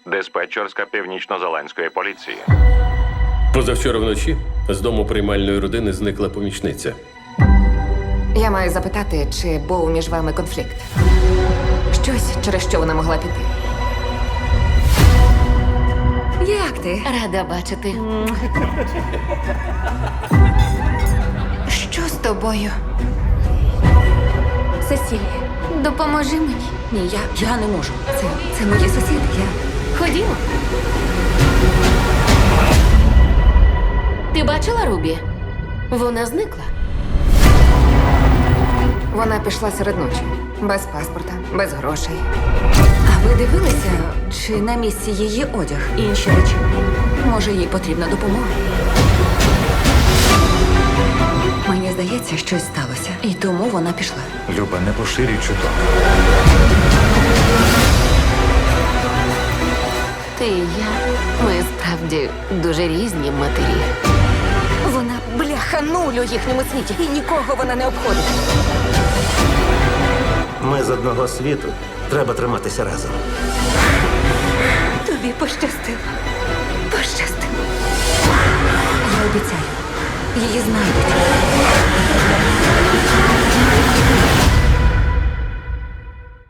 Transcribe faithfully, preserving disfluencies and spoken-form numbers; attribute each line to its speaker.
Speaker 1: Диспетчерська північно-зеландської поліції.
Speaker 2: Позавчора вночі з дому приймальної родини зникла помічниця.
Speaker 3: Я маю запитати, чи був між вами конфлікт? Щось, через що вона могла піти. Як ти?
Speaker 4: Рада бачити.
Speaker 3: Що з тобою?
Speaker 4: Сесілія, допоможи мені.
Speaker 3: Ні, я, я не можу. Це, це мої сусіди. Я...
Speaker 4: Ходімо. Ти бачила Рубі? Вона зникла.
Speaker 3: Вона пішла серед ночі. Без паспорта, без грошей. А ви дивилися, чи на місці її одяг і інші речі? Може, їй потрібна допомога? Мені здається, щось сталося. І тому вона пішла.
Speaker 5: Люба, не поширюй чуток.
Speaker 4: Ти і я. Ми справді дуже різні матері.
Speaker 3: Вона бляха нуль у їхньому світі. І нікого вона не обходить.
Speaker 6: Ми з одного світу. Треба триматися разом.
Speaker 3: Тобі пощастило. Пощастило. Я обіцяю. Її знайдуть.